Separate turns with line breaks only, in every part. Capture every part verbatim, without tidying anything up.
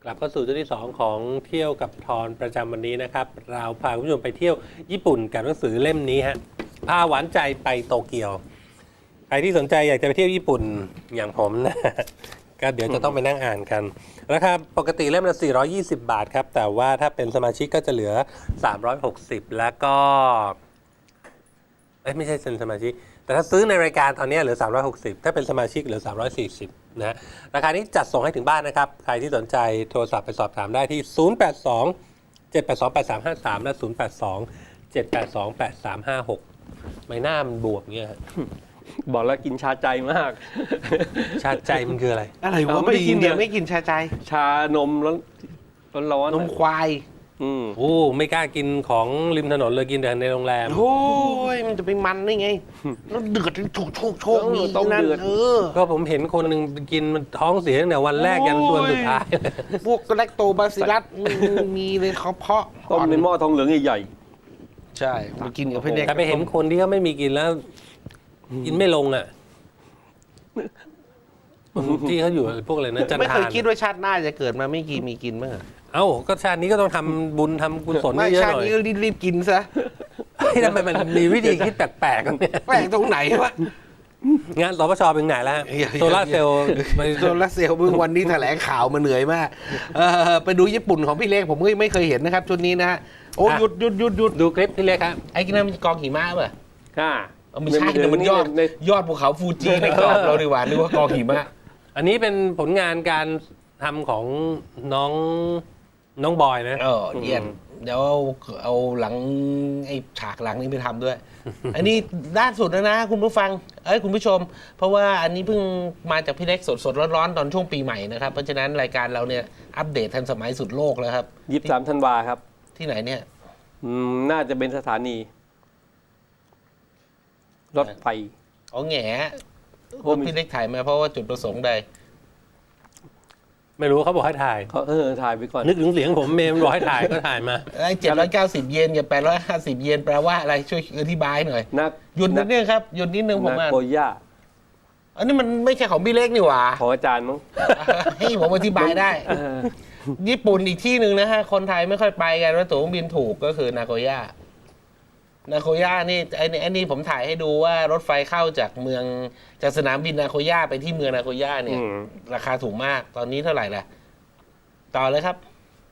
กลับเข้าสู่ช่วงที่สองของเที่ยวกับทอนประจำวันนี้นะครับเราพาคุณผู้ชมไปเที่ยวญี่ปุ่นกับหนังสือเล่มนี้ฮะพาหวานใจไปโตเกียวใครที่สนใจอยากจะไปเที่ยวญี่ปุ่นอย่างผมนะก็เดี๋ยวจะต้องไปนั่งอ่านกันราคาปกติเล่มละสี่ร้อยยี่สิบบาทครับแต่ว่าถ้าเป็นสมาชิกก็จะเหลือสามร้อยหกสิบแล้วก็เอ้ยไม่ใช่เป็นสมาชิกแต่ถ้าซื้อในรายการตอนนี้เหลือสามร้อยหกสิบถ้าเป็นสมาชิกเหลือสามร้อยสี่สิบนะฮะราคานี้จัดส่งให้ถึงบ้านนะครับใครที่สนใจโทรศัพท์ไปสอบถามได้ที่ศูนย์ แปด สอง เจ็ด แปด สอง แปด สาม ห้า สามและศูนย์ แปด สอง เจ็ด แปด สอง แปด สาม ห้า หกไม่น่ามันบวกเงี้ย
บอกแล้วกินชาใจมาก
ชาใจมันคืออะไร
อะไรวะไม่กินเดียวไม่กินชาใจ
ชานมร้อนร้อน
นมควาย
อืม
โอ้ไม่กล้ากินของริมถนนเลยกินแต่ในโรงแรม
โอ้ยมันจะไปมันได้ไงแล้วเดือดโชกโชกโชกมี
ต้อง
นั่น
เดือด
เออ
ก็ผมเห็นคนหนึ่งกินมันท้องเสียตั้งแต่วันแรกยันวันสุดท้าย
พวกแลคโตบาซิลลัสมีเลยเขาเพาะ
ต้มในหม้อทองเหลืองใหญ่
ใช่มากินกับพี่เล็ก
แต่ไปเห็นคนที่เขาไม่มีกินแล้ว กินไม่ลงอ่ะที่เขาอยู่พวกอะไรนะจัน
ไม่
ทา
เคย
น
คิดว่าชาติหน้าจะเกิดมาไม่กี่มีกินมั้งอะ
เอ้าก็ชาตินี้ก็ต้องทำบุญทำกุศล
ไม่
เยอะ
ชา
ๆ
ติ
หน่อย
นี้ก็รีบๆกินซะ
เฮ้ยทำไมมันมีวิธีคิดแปลกๆกันเนี่ย
แปลกตรงไหนวะ
งานสปชเป็นไหนแล้วฮะ
อย่า
โซลาร์เซลล์ไป
โซลาร์เซลล์เมื่อวันนี้แถลงข่าวมาเหนื่อยมากเออไปดูญี่ปุ่นของพี่เล็กผมก็ไม่เคยเห็นนะครับชุดนี้นะฮะโอ้หยุดหยุดหยุดหยุด
ดูคลิปพี่เล็กครับ
ไอ้กินนั่นมันกองหิมะป่ะ
ๆค่ะ
เอาไม่ใช่แต่มันยอด
ใน
ยอดภูเขาฟูจิในกรอบเราดีกว่านึกว่ากองหิมะ
อันนี้เป็นผลงานการทำของน้องน้องบอยนะ
เออเยี่ยมเดี๋ยวเอาเอาหลังไอ้ฉากหลังนี้ไปทำด้วย อันนี้ด้านสุดแล้วนะคุณผู้ฟังเอ้ยคุณผู้ชม เพราะว่าอันนี้เพิ่งมาจากพี่เล็กสดสดๆร้อนๆตอนช่วงปีใหม่นะครับเพราะฉะนั้นรายการเราเนี่ยอัปเดตทันสมัยสุดโลกแล้วครับ
ยี่สิบสามธันวาครับ
ที่ไหนเนี่ย
อืมน่าจะเป็นสถานี รถไฟ
อ๋อแง่
โอ้มี
พี่เล็กถ่ายมาเพราะว่าจุดประสงค์ใด
ไม่รู้เขาบอกให้ถ่าย
เขาเออถ่ายไปก่อน
นึกถึงเสียงผมเมมบอกให้ถ่ายก็ถ่ายมา
ไอ้เจ็ดร้อยเก้าสิบเยนกับแปดร้อยห้าสิบเยนแปลว่าอะไรช่วยอธิบายหน่อย
นัก
หยุดนิดนึงครับหยุดนิดนึงผม
นัก
อ่าน
โกย่า
อันนี้มันไม่ใช่ของพี่เล็กนี่หว่า
ของอาจารย์มั้ง
ให้ผมอธิบายได้
เออ
ญี่ปุ่นอีกที่หนึ่งนะฮะ คนไทยไม่ค่อยไปกันว่าตั๋วเครื่องบินถูกก็คือนาโกย่า นาโกย่านี่ไอ้นี่ไอ้นี่ผมถ่ายให้ดูว่ารถไฟเข้าจากเมืองจากสนามบินนาโกย่าไปที่เมืองนาโกย่าเนี่ย
อืม
ราคาถูกมาก ตอนนี้เท่าไหร่ล่ะ ต่อเลยครับ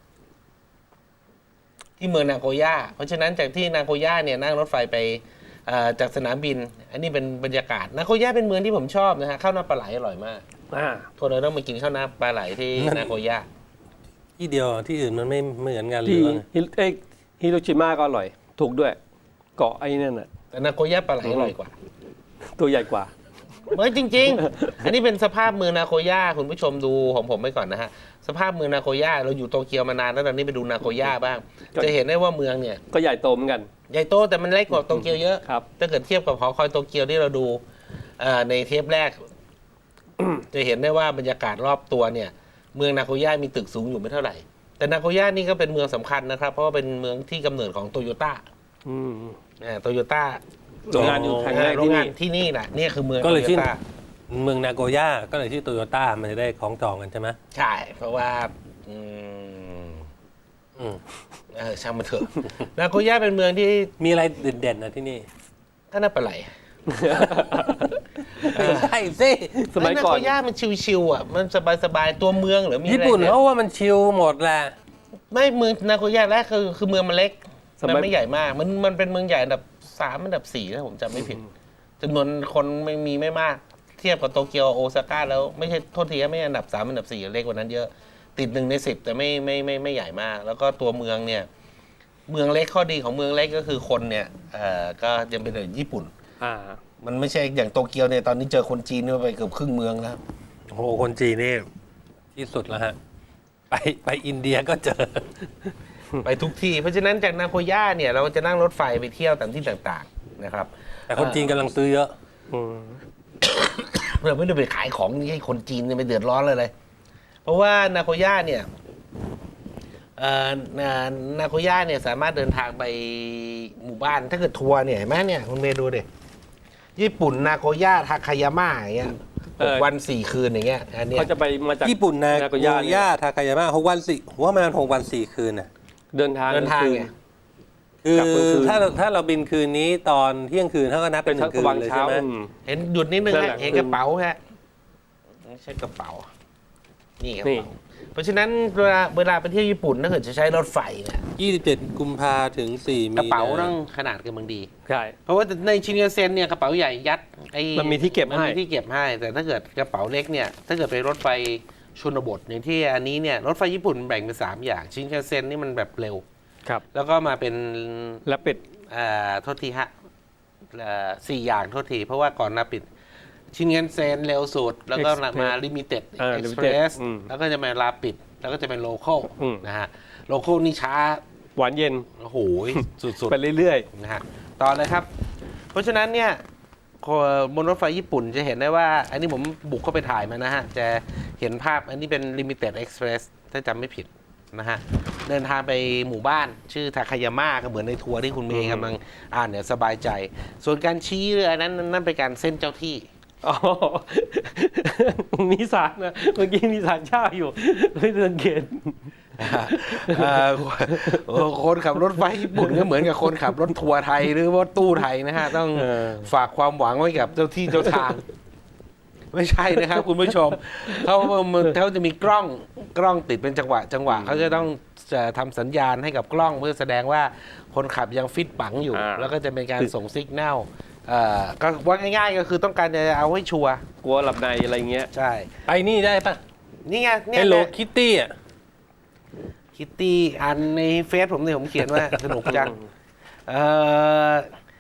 ที่เมืองนาโกย่า เพราะฉะนั้นจากที่นาโกย่าเนี่ยนั่งรถไฟไปเอ่อจากสนามบิน อันนี้เป็นบรรยากาศ นาโกย่าเป็นเมืองที่ผมชอบนะฮะ ข้าวหน้าปลาไหลอร่อยมาก
อ่า
ทัวร์เราต้องมากินข้าวหน้าปลาไหลที่นาโกย่า
ที่เดียวที่อื่นมันไม่เหมือนกันหรื
ที่
อว่าไง
ฮิเอ้ยฮิโรชิมาก็อร่อย ถูกด้วย เกาะไอ้นั่นน่ะ
แต่นาโกย่าปลาไหลอร่อยกว่า
ตัวใหญ่กว่า
เฮ้ยจริง ๆ อันนี้เป็นสภาพเมืองนาโกย่าคุณผู้ชมดูของผมไปก่อนนะฮะ สภาพเมืองนาโกย่าเราอยู่โตเกียวมานานแล้วตอนนี้ไปดูนาโกย่าบ้าง
ก็
จะเห็นได้ว่าเมืองเนี่ย
ก็ใหญ่โตเหมือนกัน
ใหญ่โตแต่มันเล็กกว่าโตเกียวเยอะ
ครับ
ถ้าเกิดเทียบกับหอคอยโตเกียวที่เราดูเอ่อในเทปแรก จะเห็นได้ว่าบรรยากาศรอบตัวเนี่ย เมืองนาโกย่ามีตึกสูงอยู่ไม่เท่าไหร่ แต่นาโกย่านี่ก็เป็นเมืองสำคัญนะครับ เพราะว่าเป็นเมืองที่กำเนิดของโตโยต้า
อืม
โตโยต้า
โรงงานอยู่แห่งแรก
โร
ที่
ง
นี่
งานที่นี่แหละนี่คือเมือง
ก็
โต
เลย
โย
ชื่อ
ต้า
เมืองนาโกย่าก็เลยชื่อโตโยต้ามันจะได้คล้องจองกันใช่ไหม
ใช่ เพราะว่าอืม
อืม
เออช่างมันเถอะ นาโกย่าเป็นเมืองที่
มีอะไรเด่นๆนะที่นี่
ก็น่าปลาไหล
ใช่สิ
สมัยก่อน
นาโกย่ามันชิวๆอ่ะมันสบายๆตัวเมืองหรือมีอะไร
ญี่ปุ่น
เนี่ย
เขาว่ามันชิลหมดแหละ
ไม่เมืองนาโกย่าแรกคือคือเมืองมันเล็ก
สมัย
มันไม่ใหญ่มาก มันมันเป็นเมืองใหญ่อันดับสามอันดับสี่ถ้าผมจำไม่ผิดจำนวนคนไม่มีไม่มาก เทียบกับโตเกียวโอซาก้าแล้วไม่ใช่โทษทีไม่อันดับสามอันดับสี่เล็กกว่านั้นเยอะ ติดหนึ่งในสิบแต่ไม่ไม่ไม่ไม่ใหญ่มาก แล้วก็ตัวเมืองเนี่ย เมืองเล็กข้อดีของเมืองเล็กก็คือคนเนี่ยเอ่อก็ยังเป็นแบบญี่ปุ่น
อ่า
มันไม่ใช่อย่างโตเกียวเนี่ยตอนนี้เจอคนจีนเนี่ยไปเกือบครึ่งเมืองแล้ว
โอ้โหคนจีนนี่ที่สุดแล้วฮะ ไปไปอินเดียก็เจอ
ไปทุกที่ เพราะฉะนั้นจากนาโกย่าเนี่ยเราจะนั่งรถไฟไปเที่ยวตามที่ต่างๆนะครับ
แต่คนจีนกำลังซื้อเยอะ
อืม
เราไม่ได้ไปขายของให้คนจีนเนี่ยไปเดือดร้อนเลยเลย เพราะว่านาโกย่าเนี่ยเอ่อนานาโกย่าเนี่ยสามารถเดินทางไปหมู่บ้านถ้าเกิดทัวร์เนี่ยเห็นไหมเนี่ยคุณเมย์ดูดิญี่ปุ่นนาโกย่าทาคายาม่าอย่างเงี้ย
เออ
วันสี่คืนอย่างเงี้ยอันเนี้ย
เขาจะไปมาจาก
ญี่ปุ่นนา
นา
โก
โกย่าเนี่ย
ย่าทาคายามะหกวันสี่ผมว่ามันหกวันสี่คืนน่ะ
เดินทาง
เดินทาง
คืน
ไง
คือก
ลับกลางคืน
ถ้าถ้าเราบินคืนนี้ตอนเที่ยงคืนเขาก็นับ
เป็
เป็น นห
ทั
นึ่
ก
งคืน
วัง
เลย
เช้า
ใช่ไหม
อืม
เห็นหยุดนิดนึง
นั่น
ฮะ
แหละ
เห็นกระเป๋าฮะไม่ใช่กระเป๋า นี่กระ
นี่
เป๋าเพราะฉะนั้นเวลาเวลาไปเที่ยวญี่ปุ่นถ้าเกิดจะใช้รถไฟเนี่ย
ยี่สิบเจ็ดกุมภาถึงสี่มี
กระเป๋า
นา
ต้องขนาดกันบางดี
ใช่
เพราะว่าในชินคันเซ็นเนี่ยกระเป๋าใหญ่ยัดไอ้
มันมีที่เก็บให้
มันมีที่เก็บให้ แต่ถ้าเกิดกระเป๋าเล็กเนี่ยถ้าเกิดไปรถไฟชนบทอย่างที่อันนี้เนี่ยรถไฟญี่ปุ่นแบ่งเป็นสามอย่างชินคันเซ็นนี่มันแบบเร็ว
ครับ
แล้วก็มาเป็น
และปิด
เอ่อโทษทีฮะเอ่อสี่อย่างโทษที เพราะว่าก่อนหนาปิดชินคันเซ็นเร็วสุด แล้วก็
Express
มาลิมิเต็ด
อ่า
เอ็กซ์เพร
Limited
ส
อืม
แล้วก็จะมาลาปิด แล้วก็จะเป็นโลคอล
อืม
นะฮะโลคอลนี่ช้า
หวานเย็น
โอ้โหสุด
ไปเรื่อย
ๆนะฮะต่อเลยครับ เพราะฉะนั้นเนี่ยบนรถไฟญี่ปุ่นจะเห็นได้ว่า อันนี้ผมบุกเข้าไปถ่ายมานะฮะ จะเห็นภาพอันนี้เป็น Limited Express ถ้าจำไม่ผิดนะฮะ เดินทางไปหมู่บ้าน ชื่อทาคายาม่าก็เหมือนในทัวร์ที่คุณเมย์กำลังอ่านเนี่ยสบายใจ ส่วนการชี้เรือนั้นนั่นเป็นการเส้นเจ้าที่
ๆอ๋อ มีสารนะเมื่อกี้มีสารเช่าอยู่ไม่สังเกต
เอ่อคนขับรถไฟญี่ปุ่นก็เหมือนกับคนขับรถทัวร์ไทยหรือว่าตู้ไทยนะฮะ ต้อง
เออ
ฝากความหวังไว้กับเจ้าที่เจ้าทาง ไม่ใช่นะครับ คุณผู้ชมเขาเขาจะมีกล้องกล้องติดเป็นจังหวะ จังหวะเขาจะต้องจะทำสัญญาณให้กับกล้องเพื่อแสดงว่าคนขับยังฟิตปังอยู่
อ่า
แล้วก็จะเป็นการส่งซิกแนลเอ่อก็ว่าง่ายๆ ก็คือต้องการจะเอาให้ชัวร์
กลัวหลับในอะไรเงี้ย
ใช่
ไปนี่ได้ปะ
นี่ไงเนี่
ไอ้
ย
โลคิตตี้อ่ะ
คิตตี้อ่านในเฟซผมเนี่ยผมเขียนว่า สนุกจังเอ่อ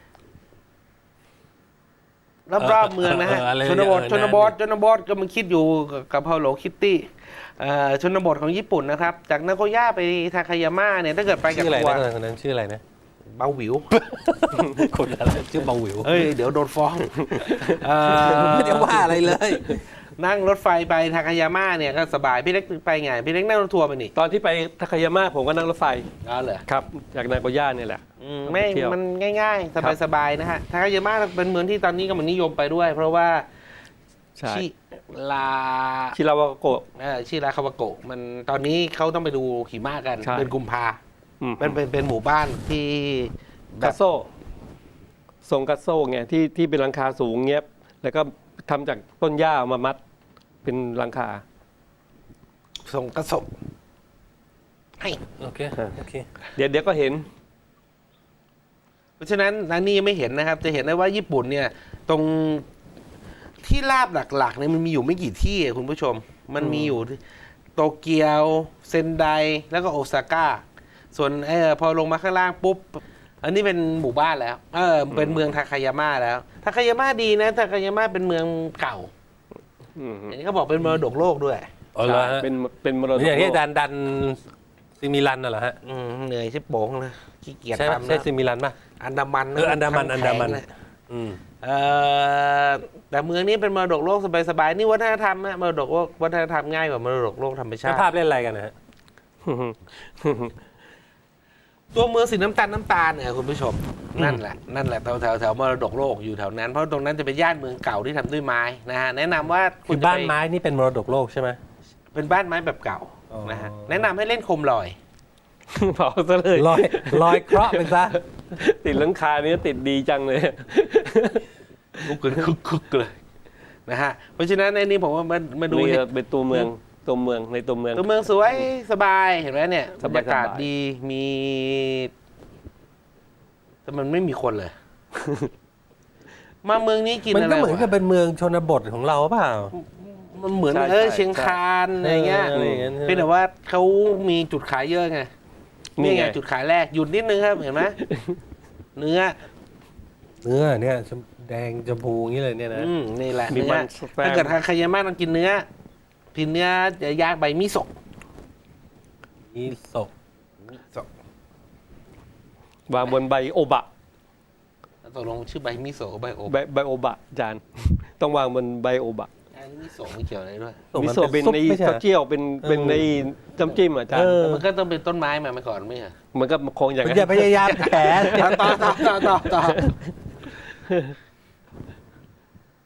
รอบๆเมืองนะฮะ
เอออะไร
ชนบท
เออ
ชนบทชนบทก็มันคิดอยู่กับพาโลคิตตี้เอ่อชนบทของญี่ปุ่นนะครับ จากนาโกย่าไปทาคายาม่าเนี่ยถ้าเกิดไปกับ
ชื่ออะไร
ทัว
นะ
ร์
คนนั้นชื่ออะไรนะ
เบาหวิว
คนอะไรชื่อเบาหวิว
เฮ้ย เดี๋ยวโดนฟ้องเอ่อ
ไม่ได้ว่าอะไรเลย
นั่งรถไฟไปทาคายาม่าเนี่ยก็สบาย พี่เล็กไปไง พี่เล็กนั่งรถทัวร์ไปนี่
ตอนที่ไปทาคายาม่าผมก็นั่งรถไฟ
อ๋อเหรอ
ครับ จากนาโกย่าเนี่ยแหละ
อืมไม่
เที่ยว
มันง่ายๆ
ครับ
สบายๆนะฮะทาคายาม่าเป็นเมืองที่ตอนนี้กำลังนิยมไปด้วย เพราะว่า
ใช่
ชิลา
ชิราวาโกะ
เอ่อชิราคาวาโกะมันตอนนี้เขาต้องไปดูหิมะกัน
ใช่
เป็นกุมภา
อืม
เป็นเป็นเป็นหมู่บ้านที่แบ
กั
บ
สโซทรงกัสโซไงที่ที่เป็นหลังคาสูงเงี้ยแล้วก็ทำจากต้นหญ้ามามัดเป็นหลังคา
ส่งกระสบให้
โอเค โอเค
เดี๋ยวเดี๋ยวก็เห็น
เพราะฉะนั้นร้านนี้ยังไม่เห็นนะครับ จะเห็นได้ว่าญี่ปุ่นเนี่ย ตรงที่ลาบหลักๆเนี่ยมันมีอยู่ไม่กี่ที่อะคุณผู้ชม มันมีอยู่ที่โตเกียวเซนไดแล้วก็โอซาก้า ส่วนเออพอลงมาข้างล่างปุ๊บ อันนี้เป็นหมู่บ้านแล้ว เออเป็นเมืองทาคายาม่าแล้ว ทาคายาม่าดีนะทาคายาม่าเป็นเมืองเก่า
อืม
อันนี้เขาบอกเป็นมรดกโลกด้วย
อ๋อเหรอฮะ
เป็นเป็นมรดก
อย่างที่
โลก
ดันดันซิมิลันน่ะเหรอฮะ
อืมเหนื่อยชิบโป๋งเลยขี้เกียจ
ใช่ไหม
ทำ
ใช่
นะ
ซิมิลันป่ะ
อันดามัน
เอออันดามันอันดามัน
แข็งเลย
อืม
เอ่อแต่เมืองนี้เป็นมรดกโลกสบายๆนี่วัฒนธรรมนะมรดกโลกวัฒนธรรมง่ายกว่ามรดกโลกธรรมชา
แล้ว
ติ
ภาพเล่นอะไรกันนะฮะ
ตัวเมืองสีน้ำตาลน้ำตาลเนี่ยคุณผู้ชม นั่นแหละนั่นแหละแถวแถวแถวมรดกโลกอยู่แถวนั้น เพราะตรงนั้นจะเป็นย่านเมืองเก่าที่ทำด้วยไม้นะฮะแนะนำว่า
คือ
จะ
บ้าน
ป
ไม้นี่เป็นมรดกโลกใช่ไหม
เป็นบ้านไม้แบบเก่า
อ๋อ
นะฮะแนะนำให้เล่นโคมลอย
เผาซะเลย
ลอยลอยเคราะห์ไปซะ
ติดหลังคาเนี้ติดดีจังเลย
ลุกขึ้นคึกคึกเลยนะฮะเพราะฉะนั้นในนี้ผมว่ามามาดู
นี่
เนี่ย
เป็นตัวเมืองตัวเมืองในตัวเมือง
ตัวเมืองสวยสบายเห็นไหมเนี่ย
ส
บร
บายๆ
รยากาศดีมีแต่มันไม่มีคนเลย มาเมืองนี้กิน
มัน
อะไร
ก็เหมือนกับ
วะ
เป็นเมืองชนบทของเราเปล่า
มันเหมือน
ใช่
เออ
ใช่
เชียงคานอะไรเงี้ย
เอออะไรอย่างเงี้ย
เพียงแต่ว่าเขามีจุดขายเยอะไง
นี่
นี่
ไง
ไงจุดขายแรกหยุดนิดนึงครับเห็นไหม เนื้อ
เนื้อเนี่ยชมแดงชมพูอย่างนี้เลยเนี่ยนะ
อืมนี่แหละ
มี
เนื้
มั
อน
แฟ้ม
ถ้าเกิดทางคายาม่าต้องกินเนื้อกินเนื้อย่างใบมิโซะ
มีศพ
มิโซะ
วางบนใบโอบะ
ตกลงชื่อใบมิโซะใบโอ
ใบใบโอบะจาน ต้องวางบนใบโอบะ
อันนี้มิโซะไม่เกี่ยวอะไรด้วย
มิโซะเป็น
ซุป
ใน
ไม่ใช่
เต้าเจี้ยวเป็นเป็นในน้ำจิ้มอ่ะจาน
เออ
มันก็ต้องเป็นต้นไม้มามาก่อนไม่ใช่เหรอ
มันก็คงอย่าง
คุณ
นั้
อย่าน พยายามแผล
ต่อต่อต่อต่อต่อต่อ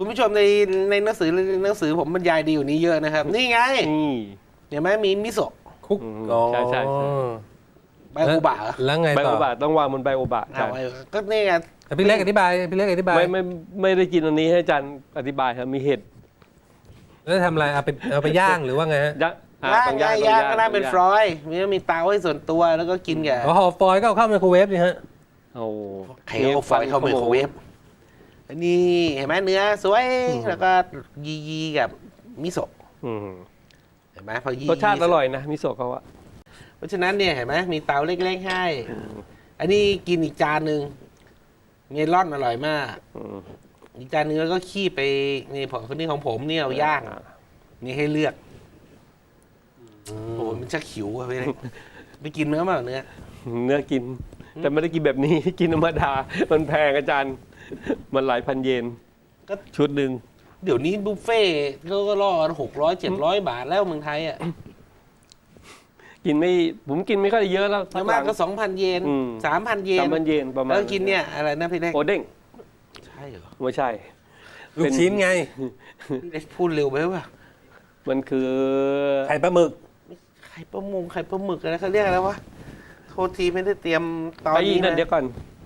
คุณผู้ชมในในหนังสือหนังสือผมบรรยายดีอยู่นี้เยอะนะครับ นี่ไง
นี่
เห็นไหมมีมิโซะ
คุก
อืม
อ๋อ
ใช่ใช่ใช่
ใบโอบะเหรอ
แล้วไง
ไบ
ต่
โอ
อ
บะต้องวางบนไบโอบะ
เอา
ใช่
ไว้ก็นี่ไง
พี่เล็กอธิบายพี่เล็กอธิบาย
ไม่ไม่ไม่ได้กินอันนี้ให้อาจารย์อธิบายครับมีเห็ด
แล้วทำอะไรเอาไปเอาไปย่างหรือว่าไงฮะ
ย่างอ่
ย่าง
ต้อง
ย่าง
ต้อง
ย่างก็น่า
ต้อง
เป็นฟรอยล์มีมีเตาให้ส่วนตัวแล้วก็กินกับ
อ๋อห่อฟอยล์ก็เอาเข้าไมโครเวฟนี่ฮะ
โอ้
ไข่เอาฟอยล์เข้าไมโครเวฟอันนี้เห็นไหมเนื้อสวยแล้วก็ยียีกับมิโซะ
อืม
เห็นไหมพอยี
รสชาติอร่อยนะมิโซะเขาอะ
เพราะฉะนั้นเนี่ยเห็นไหมมีเตาเล็กๆให้ อันนี้กินอีกจานหนึ่งเมลอนอร่อยมาก
อืม
อีกจานหนึงแล้วก็ขี้ไปนี่ของคนนี้ของผมเนี่ยเอาย่างนี่ให้เลือกโอ้โหมันชักหิวอะไปเลยไปกินเนื้อมาเนื้อ
เนื้อกิน แต่ไม่ได้กินแบบนี้ กินธรรมดา มันแพงอาจารย์ มันหลายพันเยน
ก็
ชุดหนึ่ง
เดี๋ยวนี้บุฟเฟ่ต์ก็ก็ล่อหกร้อยเจ็ดร้อยบาทแล้วเมืองไทยอ่ะ
กินไม่ผมกินไม่ค่อยเยอะแล้ว
แล้วมากก็สองพันเยน
อืม
สามพันเยน
สามพันเยนประมาณ
แล้วกินเนี่ยอะไรนะพี่เล็ก
โอเด้ง
ใช่เหรอ
ไม่ใช่
ลูกชิ้นไง
พี่เล็กพูดเร็วไปหรือเปล่า
มันคือ
ไข่ปลาหมึก
ไข่ปลาหมงไข่ปลาหมึกอะไรเขาเรียกอะไรวะโทษทีไม่ได้เตรียมตอน
ไอ้
นี้
นั่น
นะ
เดี๋ยวก่อน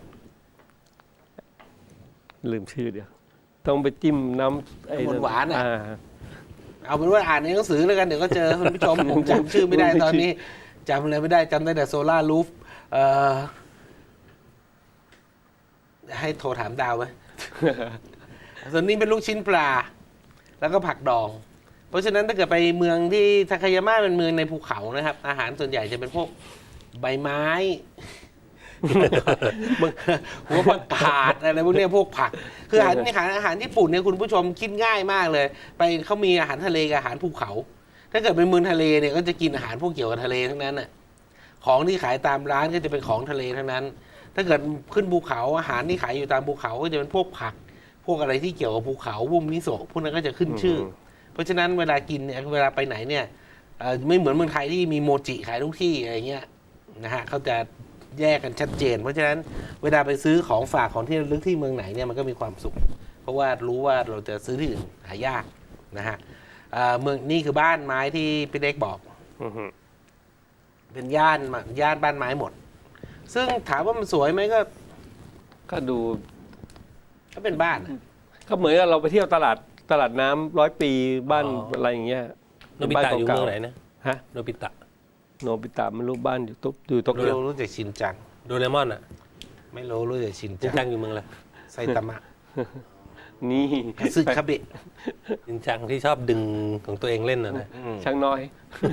ลืมชื่อเดี๋ยว ต้องไปจิ้มน้ำไอ้นั่
หวานๆอ่ะ
อ่า
เอาเป็นว่าอ่านในหนังสือแล้วกันเดี๋ยวก็เจอคุณผู้ชม ผมจำชื่อไม่ได้ตอนนี้จำอะไรไม่ได้จำได้แต่โซล่ารูฟเอ่อให้โทรถามดาวไหม ส่วนนี้เป็นลูกชิ้นปลา แล้วก็ผักดอง เพราะฉะนั้นถ้าเกิดไปเมืองที่ทาคายาม่าเป็นเมืองในภูเขานะครับ อาหารส่วนใหญ่จะเป็นพวกใบไม้ หัวผักกาดอะไรพวกเนี้ยพวกผัก คืออาหารอาหารอาหารญี่ปุ่นเนี่ยคุณผู้ชมคิดง่ายมากเลย ไปเขามีอาหารทะเลกับอาหารภูเขา ถ้าเกิดเป็นเมืองทะเลเนี่ยก็จะกินอาหารพวกเกี่ยวกับทะเลทั้งนั้นน่ะของที่ขายตามร้านก็จะเป็นของทะเลทั้งนั้น ถ้าเกิดขึ้นภูเขาอาหารที่ขายอยู่ตามภูเขาก็จะเป็นพวกผัก พวกอะไรที่เกี่ยวกับภูเขาพวกมิโซะพวกนั้นก็จะขึ้นชื่อ เพราะฉะนั้นเวลากินเนี่ยเวลาไปไหนเนี่ยเอ่อไม่เหมือนเมืองไทยที่มีโมจิขายทุกที่อะไรเงี้ยนะฮะเขาจะแยกกันชัดเจน เพราะฉะนั้นเวลาไปซื้อของฝากของที่ระลึกที่เมืองไหนเนี่ยมันก็มีความสุข เพราะว่ารู้ว่าเราจะซื้อที่อื่นหายากนะฮะเอ่อเมืองนี่คือบ้านไม้ที่พี่เล็กบอก
อือฮึ
เป็นย่านมาย่านบ้านไม้หมด ซึ่งถามว่ามันสวยไหมก็
ก็ดู
ก็เป็นบ้านอะ
ก็เหมือนกับเราไปเที่ยวตลาดตลาดน้ำร้อยปีบ้าน
อ๋ออ
อะไรอย่างเงี้ย
โนบิตะอยู่เมืองไหนนะ
ฮะ
โนบิตะ
โนบิตะไม่รู้บ้านอยู่ตุ๊บอยู่โต
ไม่
เกียว
รู้รู้จักชินจัง
โดเรมอนอ่ะ
ไม่รู้รู้จักชิน
จริ
จั
ง
ง
จังอยู่เมืองอะไร
ไซตามะ
นี่
ซึคาเบะ
จริงจังที่ชอบดึงของตัวเองเล่นน่ะนะ
ช่างน้อย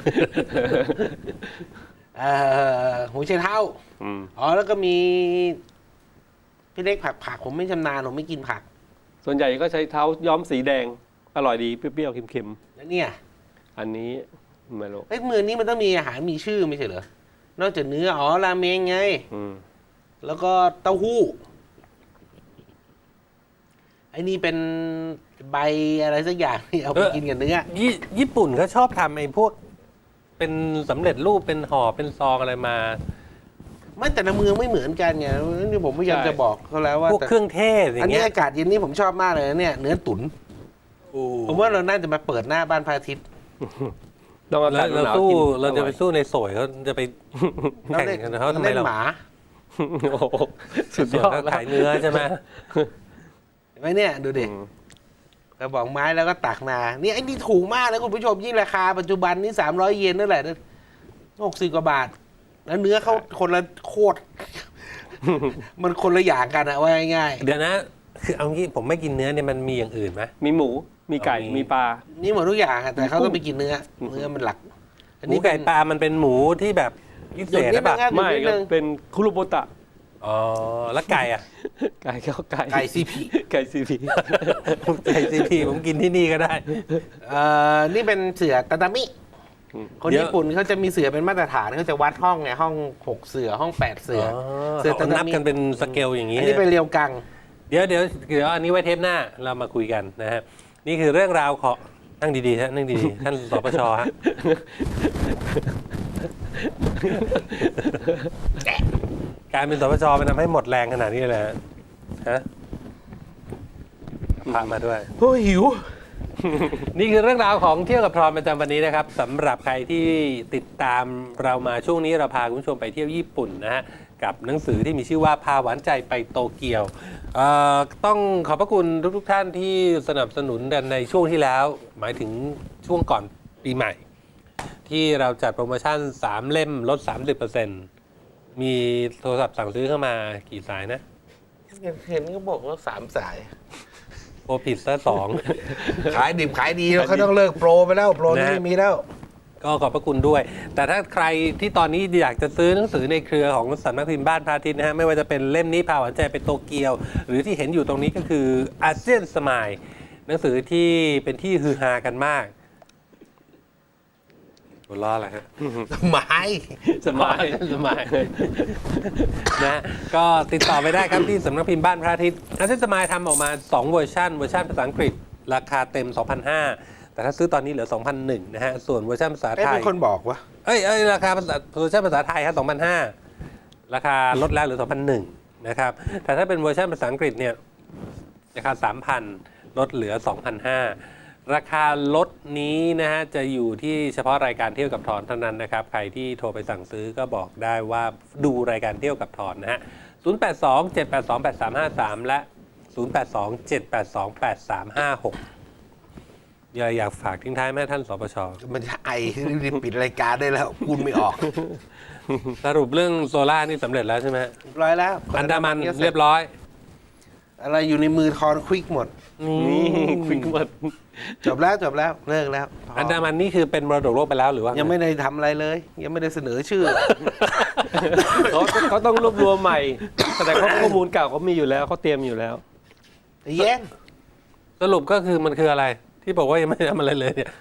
เอ่อหูเชยเท้า
อืม
อ๋อแล้วก็มีพี่เล็กผักผักผมไม่ชำนาญผมไม่กินผัก
ส่วนใหญ่ก็ใช้เท้าย้อมสีแดง อร่อยดีเปรี้ยวๆเค็ม
แล้วเนี่ย
ๆอันนี้ไม่รู้
เอ้ยเมืองนี้มันต้องมีอาหารมีชื่อไม่ใช่เหรอนอกจากเนื้ออ๋อราเมงไง
อืม
แล้วก็เต้าหู้ไอ้นี่เป็นใบอะไรสักอย่างที่เอาไปกินกับเนื้อ
ญี่ญี่ปุ่นเขาชอบทำไอ้พวก เป็นสำเร็จรูปเป็นห่อเป็นซองอะไรมา
ไม่แต่ละเมืองไม่เหมือนกันไงนี่ผมพยายามจะบอกเขาแล้วว่า
พวก
แต่
เครื่องเทศอ
อัน
ย่าง
นี้
เงี้ย
อากาศเย็นนี่ผมชอบมากเลยนะเนี่ยเนื้อตุ๋นผมว่าเราน่าจะมาเปิดหน้าบ้านพระอาทิตย์
ต้องอากา
แล้
ศ
วเรา
หนาว
สู้
ๆกิน
เราจะไป
ออย
สู้ในโสยเขาจะไปแข่งกันเขาทำไม
เล่น
เรา
หมา
โอ้โหสุด
ส่
ย
วน
อด
เขา
แล้ว
ขายเนื้อใช่ไหม
เห็นไหมเนี่ยดูดิ
อืม
กระบอกไม้แล้วก็ตักมานี่ไอ้นี่ถูกมากนะคุณผู้ชมยิ่งราคาปัจจุบันนี่สามร้อยเยนนั่นแหละหกสิบกว่าบาท แล้วเนื้อเขาคนละโคตร มันคนละอย่างกันอะว่าง่าย
เดี๋ยวนะ คือเอางี้ผมไม่กินเนื้อเนี่ยมันมีอย่างอื่นไหม
มีหมู มีไก่
เอามี
มีปลา
ๆนี่หมดทุกอย่างอะแต่เขาต้องไปกินเนื้อ เนื้อมันหลัก อัน
หมู
นี้
ไก่
เป็น
ปลามันเป็นหมูที่แบบพิเศษ
หยุดนิ
หรือเปล่า
ดนึงครับ
ไม่
นิด
ก็
นึง
เป็นคุรุโบตะ
อ๋อแล้วไก่อ่ะ
ไก่ก็ไก่
ไก่ซีพี
ไก่ซีพี
ไก่ซีพีผมกินที่นี่ก็ได้
เอ่อนี่เป็นเสือตาตามิ คน
เดี๋ยว
ญี่ปุ่นเขาจะมีเสือเป็นมาตรฐานเขาจะวัดห้องไงห้องหกเสือห้องแปดเสือ เสือ
เขา
ตาตามิ
นับกันเป็นสเกลอย่างนี้
อันนี้เป็นเรียวกัง
เดี๋ยวเดี๋ยวเดี๋ยวอันนี้ไว้เทปหน้าเรามาคุยกันนะฮะนี่คือเรื่องราวของนั่งดีๆฮะนั่งดีๆท่านสปชฮะการเป็นสปชมันทำให้หมดแรงขนาดนี้เลยฮะฮะพระมาด้วย
โอ้ยหิว
นี่คือเรื่องราวของเที่ยวกับทรอนประจำวันนี้นะครับสำหรับใครที่ติดตามเรามาช่วงนี้เราพาคุณผู้ชมไปเที่ยวญี่ปุ่นนะฮะกับหนังสือที่มีชื่อว่าพาหวานใจไปโตเกียวเอ่อต้องขอบพระคุณทุกๆท่านที่สนับสนุนกันในช่วงที่แล้ว หมายถึงช่วงก่อนปีใหม่ ที่เราจัดโปรโมชั่นสามเล่มลด สามสิบเปอร์เซ็นต์ มีโทรศัพท์สั่งซื้อเข้ามากี่สายนะ
เห็นก็บอกว่าสามสาย
โปรผิดซะสอง
ขายดิบขายดีแล้วเขาต้องเลิกโปรไปแล้ว โปรนี่
นะ
ไม่มีแล้ว
ก็ขอบพระคุณด้วย แต่ถ้าใครที่ตอนนี้อยากจะซื้อหนังสือในเครือของสำนักพิมพ์บ้านพระอาทิตย์นะฮะไม่ว่าจะเป็นเล่มนี้พาหวานใจไปโตเกียว หรือที่เห็นอยู่ตรงนี้ก็คืออาเซียนสมายหนังสือที่เป็นที่ฮือฮากันมากหัวล้ออะไรฮะ
ไม้
สมายสมายนะก็ติดต่อไปได้ครับที่สำนักพิมพ์บ้านพระอาทิตย์อาเซียนสมายทำออกมาสองเวอร์ชันเวอร์ชันภาษาอังกฤษราคาเต็ม สองพันห้าร้อย แต่ถ้าซื้อตอนนี้เหลือ สองพันหนึ่ง นะฮะส่วนเวอร์ชันภาษา
เอ้ย
ไทย
เป็นคนบอกวะ
เอ้ยเอ้ยราคาภาษาเวอร์ชันภาษาไทยครับ สองพันห้าร้อย ราคาลดแล้วเหลือ สองพันหนึ่ง นะครับ แต่ถ้าเป็นเวอร์ชันภาษาอังกฤษเนี่ยราคา สามพัน ลดเหลือ สองพันห้าร้อย ราคาลดนี้นะฮะจะอยู่ที่เฉพาะรายการเที่ยวกับทอนเท่านั้นนะครับ ใครที่โทรไปสั่งซื้อก็บอกได้ว่าดูรายการเที่ยวกับทอนนะฮะ ศูนย์ แปด สอง เจ็ด แปด สอง แปด สาม ห้า สาม และ ศูนย์ แปด สอง เจ็ด แปด สอง แปด สาม ห้า หก อยากอยากฝากทิ้งท้ายไหมท่านสปช
มันจะไอรีบปิดรายการได้แล้วพูดไม่ออก
สรุปเรื่องโซล่านี่สำเร็จแล้วใช่ไหม
เรียบร้อยแล้ว
อันดามันเรียบร้อย
อะไรอยู่ในมือทอนควิกหมด
นี่คุยกันหมด
จบแล้วจบแล้วเลิกแล้วพอ
อันดามันนี่คือเป็นมรดกโลกไปแล้วหรือว่า
ยังไม่ได้ทำอะไรเลย ยังไม่ได้เสนอชื่อ
เขาเขาต้องรวบรวมใหม่ แต่เขาข้อมูลเก่าเขามีอยู่แล้วเขาเตรียมอยู่แล้ว
เย็น
สรุปก็คือมันคืออะไร ที่บอกว่ายังไม่ได้ทำอะไรเลยเนี่ย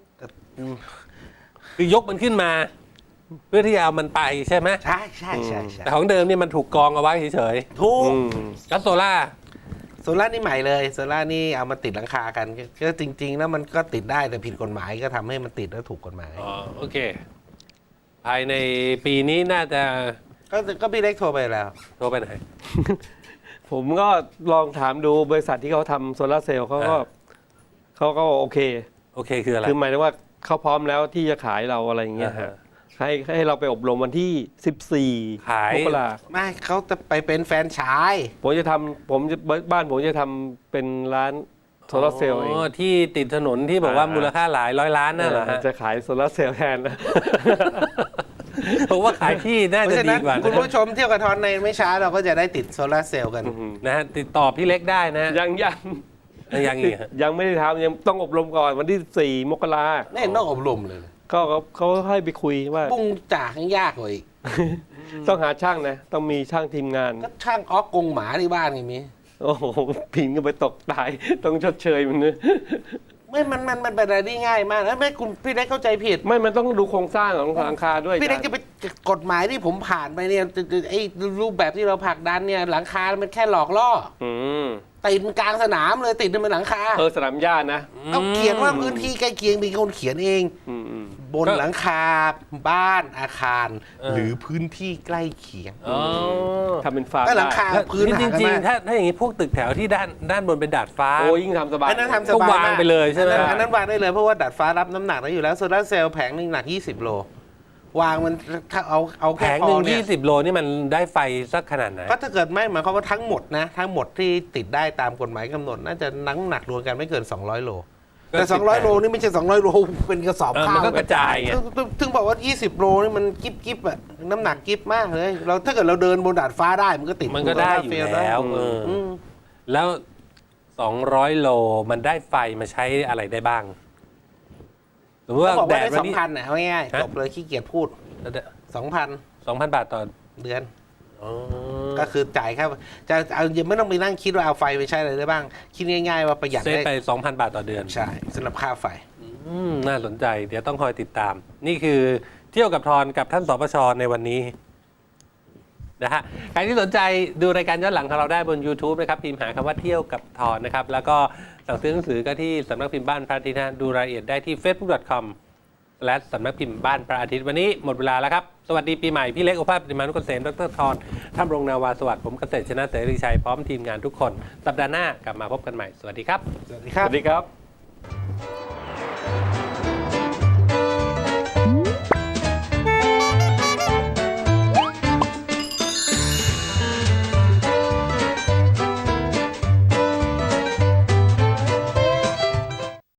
คือยกมันขึ้นมา เพื่อที่จะเอามันไปใช่ไหม
ใช่ใช่ใช่ใช่
แต่ของเดิมนี่มันถูกกองเอาไว้เฉย
ถูก
อืม
ๆแล้วโซล่า
โซล่านี่ใหม่เลยโซล่านี่เอามาติดหลังคากันก็จริง ๆ แล้วมันก็ติดได้แต่ผิดกฎหมายก็ทำให้มันติดแล้วถูกกฎหมาย
อ๋อโอเค ภายในปีนี้น่าจะ
ก็ก็พี่เล็กโทรไปแล้ว
โทรไปไหน
ผมก็ลองถามดูบริษัทที่เขาทำโซลาร์เซลล์เขาก็
อ่า
เขาก็โอเค
โอเคคืออะไร
คือหมายถึงว่าเขาพร้อมแล้วที่จะขายเราอะไรอย่างเงี้ย
อ่าฮะ
ฮะให้ให้เราไปอบรมวันที่สิบสี่
ขาย
มกรา
ไม่เขาจะไปเป็นแฟนชาย
ผมจะทำผมจะบ้านผมจะทำเป็นร้านโซลาร์เซลล์เอง
อ๋อที่ติดถนนที่บอกว่า
อ่า
มูลค่าหลายร้อยล้านนั่นเหรอฮะ
จะขายโซลาร์เซลล์แทนนะ
ผมว่าขายที่น่า
เพราะ
จะ
ฉะ
ดี
นั้น
กว่า
คุณ
นะ
ผู้ชมเที่ยวกับทอนในไม่ช้าเราก็จะได้ติดโซลาร์เซลล์กัน
นะฮะติดต่อพี่เล็กได้นะฮะ
ยังยัง
ยังอีกฮะ
ยังไม่ได้ทำยังต้องอบรมก่อนวันที่สี่มกรา
ไม่เห็นต้องอบรมเลย
ก็เขาเขาให้ไปคุยว่า
ปุ้งจ่ายังยากกว่าอีก
ต้องหาช่างนะ ต้องมีช่างทีมงาน
ก็ช่างออกกงหมาที่บ้านไงมี
โอ้โหผิงก็ไปตกตาย ต้องชดเชยมันนะ
ไม่มันมันมันเป็นอะไรที่ง่ายมากนะไม่คุณพี่เล็กเข้าใจผิด
ไม่มันต้องดูโครงสร้างของหลังคาด้วย
พี่เล็กจะไปกฎหมายที่ผมผ่านไปเนี่ยไอ้รูปแบบที่เราผลักดันเนี่ยหลังคา มันแค่หลอกล่อ
อืม
ติดกลางสนามเลยติดในหลังคา
เออสนามหญ้านะ
เอาเขียนว่าพื้นที่ใกล้เคียงมีคนเขียนเอง
อืมอืม
บนหลังคาบ้านอาคาร
เออ
หรือพื้นที่ใกล้เคียง
อ๋อ
ทำเป็นฟาร์ม
ก็หลังคา
แล้ว
พื้น
จริง
หากัน
จริง
มาก
ๆถ้าถ้าอย่างนี้พวกตึกแถวที่ด้านด้านบนเป็นดาดฟ้า
โอ้ยิ่งทำสบาย
อันนั้นทำส
ก็
บาย
วาง
มาก
ไปเลยใช่ไหม
อันนั้นอันนั้นวางได้เลยเพราะว่าดัดฟ้ารับน้ำหนักได้อยู่แล้วโซลาร์เซลล์แผงหนึ่งหนักยี่สิบโลวางมันถ้าเอาเอา
แผ
แค่
ง
พ
หนึ่
อง เนี่
ยี่
ย
สิบโลนี่มันได้ไฟสักขนาดไหน
ก็ถ้าเกิดไม่หมายความว่าทั้งหมดนะทั้งหมดที่ติดได้ตามกฎหมายกำหนด น่าจะน้ำหนักรวมกันไม่เกิน สองร้อย โล แต่ สองร้อย โลนี่ไม่ใช่ สองร้อย โลเป็นกระสอบ
เออ
ข้า
มัน
ว
ก็กระจายไง
ถึงถึงถึงบอกว่า ยี่สิบ โลนี่มันกิ๊บกิ๊บอะน้ำหนักกิ๊บมากเลยเราถ้าเกิดเราเดินบนดาดฟ้าได้มันก็ติด
มันก็ได้อยู่แล้วเอออ
ม
แล้วสองร้อยโลมันได้ไฟมาใช้อะไรได้บ้างสมมติว่า
เขาบอก
แด
ว่า
ด
ได้
วั
ส
น
อง
นี้
พันนะเอาง่ายๆ
ฮะ
จบเลยขี้เกียจพูดสองพัน
สองพันบาทต่อ
เดือน
อ๋อ
ก็คือจ่ายแค่จะเอายังไม่ต้องไปนั่งคิดว่าเอาไฟไปใช้อะไรได้บ้าง คิดง่ายๆว่าประหยัด
เซฟ
ได้
ไป สองพัน บาทต่อเดือน
ใช่สำหรับค่าไฟ
อืมน่าสนใจ เดี๋ยวต้องคอยติดตาม นี่คือเที่ยวกับทอนกับท่านสปชในวันนี้นะฮะใครที่สนใจดูรายการย้อนหลังของเราได้บน YouTube นะครับพิมพ์หาคำว่าเที่ยวกับทอนนะครับ แล้วก็สั่งซื้อหนังสือก็ที่สำนักพิมพ์บ้านพระอาทิตย์นะดูรายละเอียดได้ที่ เฟซบุ๊ก ดอท คอมและสำนักพิมพ์บ้านพระอาทิตย์วันนี้หมดเวลาแล้วครับสวัสดีปีใหม่พี่เล็กโอภาสปฏิมานุกเกษมดรธรท่านรงนาวาสวัสดิ์ผมเกษตรชนะเสรีชัยพร้อมทีมงานทุกคนสัปดาห์หน้ากลับมาพบกันใหม่สวัสดีครับ
สวัสดี
ส
ครับ
วัสดีครับ